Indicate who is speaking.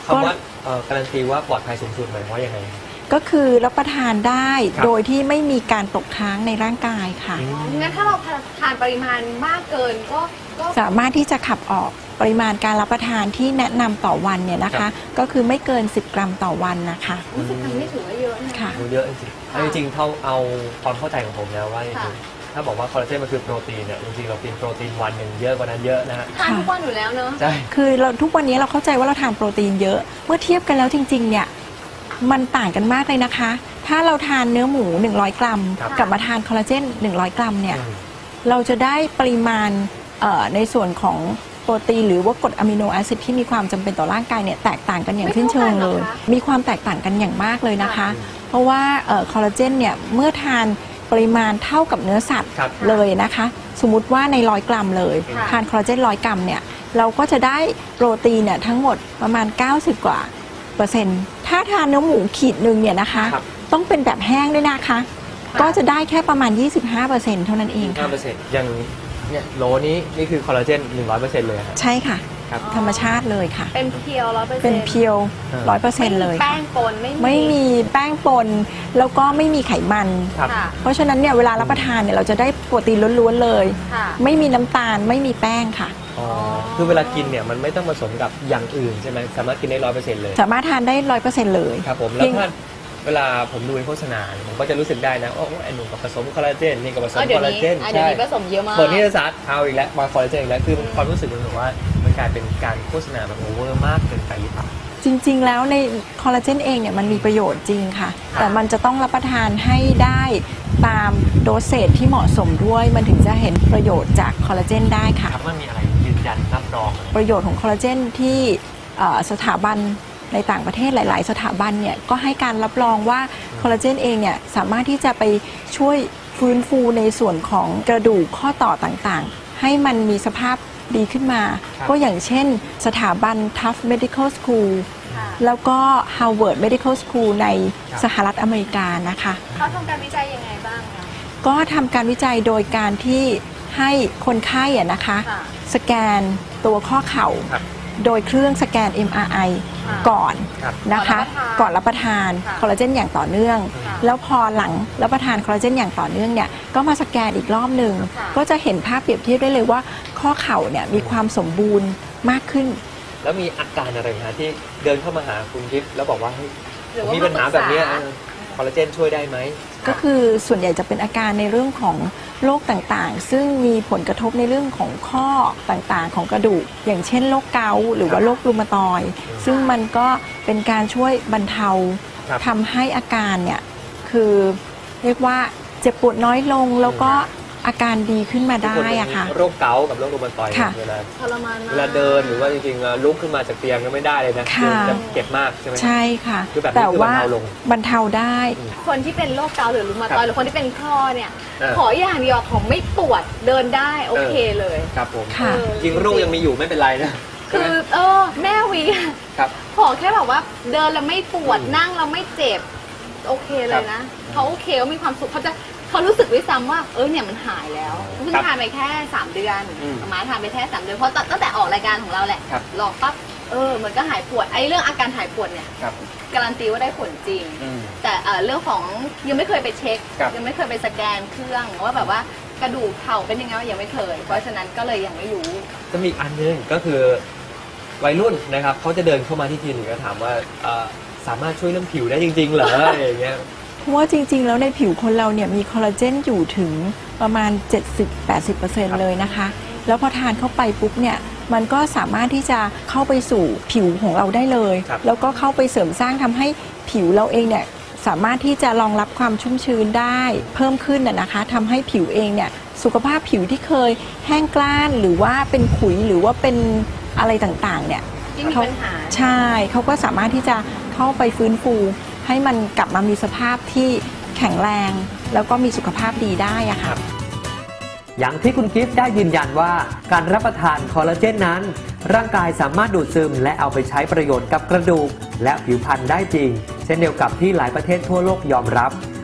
Speaker 1: คำว่าการันตีว่าปลอดภัยสูงสุดหมายว่ายังไง
Speaker 2: ก็คือรับประทานได้โดยที่ไม่มีการตกค้างในร่างกายค่ะ
Speaker 3: งั้นถ้าเราทานปริมาณมากเกินก็
Speaker 2: สามารถที่จะขับออกปริมาณการรับประทานที่แนะนำต่อวันเนี่ยนะคะก็คือไม่เกิน10 กรัมต่อวันนะคะ
Speaker 3: 10 กรัมนี่ถือว่าเยอะนะคะ
Speaker 1: เยอะจริงๆเอาความเข้าใจของผมแล้วว่าถ้าบอกว่าคอลลาเจนมันคือโปรตีนเนี่ยจริงๆเรากินโปรตีนวันหนึ่งเยอะกว่านั้นเยอะนะฮะ
Speaker 3: ทานทุกวันอยู่แล้วเนอะ
Speaker 1: ใช่
Speaker 2: คือเราทุกวันนี้เราเข้าใจว่าเราทานโปรตีนเยอะเมื่อเทียบกันแล้วจริงๆเนี่ยมันต่างกันมากเลยนะคะถ้าเราทานเนื้อหมู100 กรัมกับมาทานคอลลาเจน100 กรัมเนี่ยเราจะได้ปริมาณในส่วนของโปรตีนหรือว่ากรดอะมิโนแอซิดที่มีความจำเป็นต่อร่างกายเนี่ยแตกต่างกันอย่างสิ้นเชิงเลยมีความแตกต่างกันอย่างมากเลยนะคะเพราะว่าคอลลาเจนเนี่ยเมื่อทานปริมาณเท่ากับเนื้อสัตว์เลยนะคะสมมุติว่าใน100 กรัมเลยทานคอลลาเจน100 กรัมเนี่ยเราก็จะได้โปรตีนเนี่ยทั้งหมดประมาณ90 กว่าเปอร์เซ็นต์ถ้าทานเนื้อหมูขีดหนึ่งเนี่ยนะคะต้องเป็นแบบแห้งด้วยนะคะก็จะได้แค่ประมาณ 25% เท่านั้นเองค่ะ
Speaker 1: 25%อย่างเนี่ยโหลนี้นี่คือคอลลาเจน 100% เลย
Speaker 2: ใช่ค่ะธรรมชาติเลยค่ะ
Speaker 3: เป็นเพียว 100%
Speaker 2: เป็นเพียว 100% เลย
Speaker 3: แป้งปน
Speaker 2: ไม่มีแป้งปนแล้วก็ไม่มีไขมันเพราะฉะนั้นเนี่ยเวลารับประทานเนี่ยเราจะได้โปรตีนล้วนๆเลยไม่มีน้ำตาลไม่มีแป้งค่ะ
Speaker 1: คือเวลากินเนี่ยมันไม่ต้องผสมกับอย่างอื่นใช่ไหมสามารถกินได้ 100% เลย
Speaker 2: สามารถทานได้ 100% เลย
Speaker 1: ครับผมแล้วถ้าเวลาผมดูในโฆษณาผมก็จะรู้สึกได้นะว่าไอ้หนุ่มกับผสมคอลลาเจนนี่กับผสมคอลลาเจน
Speaker 3: ใช่ผสมเยอะมาก
Speaker 1: เปิดนิตยสารเอาอีกแล้วมาคอลลาเจนอีกแล้วคือความรู้สึกมันแบบว่ามันกลายเป็นการโฆษณาแบบโอเวอร์มากเกินไปหรือเปล่า
Speaker 2: จริงๆแล้วในคอลลาเจนเองเนี่ยมันมีประโยชน์จริงค่ะแต่มันจะต้องรับประทานให้ได้ตามโดสเซจที่เหมาะสมด้วยมันถึงจะเห็นประโยชน์จากคอลลาเจนได้ค่ะ
Speaker 1: มันมีอะไรยืนยันรับรอง
Speaker 2: ประโยชน์ของคอลลาเจนที่สถาบันในต่างประเทศหลายๆสถาบันเนี่ยก็ให้การรับรองว่าคอลลาเจนเองเนี่ยสามารถที่จะไปช่วยฟื้นฟูในส่วนของกระดูกข้อต่อต่างๆให้มันมีสภาพดีขึ้นมาก็อย่างเช่นสถาบัน Tufts Medical School แล้วก็ Harvard Medical School ในสหรัฐอเมริกานะคะ
Speaker 3: เขาทำการวิจัยยังไงบ้างคะ
Speaker 2: ก็ทำการวิจัยโดยการที่ให้คนไข้นะคะสแกนตัวข้อเข่าโดยเครื่องสแกน MRI ก่อนนะคะก่อนรับประทานคอลลาเจนอย่างต่อเนื่องแล้วพอหลังรับประทานคอลลาเจนอย่างต่อเนื่องเนี่ยก็มาสแกนอีกรอบหนึ่งก็จะเห็นภาพเปรียบเทียบได้เลยว่าข้อเข่าเนี่ยมีความสมบูรณ์มากขึ้น
Speaker 1: แล้วมีอาการอะไรนะที่เดินเข้ามาหาคุณทิพย์แล้วบอกว่ามีปัญหาแบบนี้คอลลาเจนช่วยได้ไหม
Speaker 2: ก็คือส่วนใหญ่จะเป็นอาการในเรื่องของโรคต่างๆซึ่งมีผลกระทบในเรื่องของข้อต่างๆของกระดูกอย่างเช่นโรคเกาต์หรือว่าโรครูมาตอยด์ซึ่งมันก็เป็นการช่วยบรรเทาทำให้อาการเนี่ยคือเรียกว่าเจ็บปวดน้อยลงแล้วก็อาการดีขึ้นมาได้อะค่ะ
Speaker 1: โรคเกาต์กับโรครูมาตอยด์เวลาเดินหรือว่าจริงๆลุกขึ้นมาจากเตียงก็ไม่ได้เลยนะจะเจ็บมากใช่ไหม
Speaker 2: ใช่ค่ะแต่ว่าบรรเทาได้
Speaker 3: คนที่เป็นโรคเกาต์หรือรูมาตอยด์หรือคนที่เป็นข้อเนี่ยขออย่างเดียวของไม่ปวดเดินได้โอเคเลย
Speaker 1: ครับผมจริงโรคยังมีอยู่ไม่เป็นไรนะ
Speaker 3: คือแม่วีขอแค่แบบว่าเดินแล้วไม่ปวดนั่งแล้วไม่เจ็บโอเคเลยนะเขาโอเคเขามีความสุขเขารู้สึกด้วยซ้ำว่าเนี่ยมันหายแล้วเพิ่งทานไปแค่3 เดือนมาทานไปแค่3 เดือนเพราะตั้งแต่ออกรายการของเราแหละลองปั๊บมันก็หายปวดไอ้เรื่องอาการหายปวดเนี่ยการันตีว่าได้ผลจริงแต่เรื่องของยังไม่เคยไปเช็คยังไม่เคยไปสแกนเครื่องว่าแบบว่ากระดูกเข่าเป็นยังไงยังไม่เคยเพราะฉะนั้นก็เลยยังไม่รู้
Speaker 1: จะมีอีกอันนึงก็คือวัยรุ่นนะครับเขาจะเดินเข้ามาที่คลินิกแล้วถามว่าสามารถช่วยเรื่องผิวได้จริงๆเหรออะไรอย่างเงี้ย
Speaker 2: เพราะว่าจริงๆแล้วในผิวคนเราเนี่ยมีคอลลาเจนอยู่ถึงประมาณ 70-80% เลยนะคะแล้วพอทานเข้าไปปุ๊บเนี่ยมันก็สามารถที่จะเข้าไปสู่ผิวของเราได้เลยแล้วก็เข้าไปเสริมสร้างทำให้ผิวเราเองเนี่ยสามารถที่จะรองรับความชุ่มชื้นได้เพิ่มขึ้นนะคะทำให้ผิวเองเนี่ยสุขภาพผิวที่เคยแห้งกร้านหรือว่าเป็นขุยหรือว่าเป็นอะไรต่างๆเนี่ยใช่เขาก็สามารถที่จะเข้าไปฟื้นฟูให้มันกลับมามีสภาพที่แข็งแรงแล้วก็มีสุขภาพดีได้อะค่ะ
Speaker 4: อย่างที่คุณกิฟต์ได้ยืนยันว่าการรับประทานคอลลาเจนนั้นร่างกายสามารถดูดซึมและเอาไปใช้ประโยชน์กับกระดูกและผิวพรรณได้จริงเช่นเดียวกับที่หลายประเทศทั่วโลกยอมรับ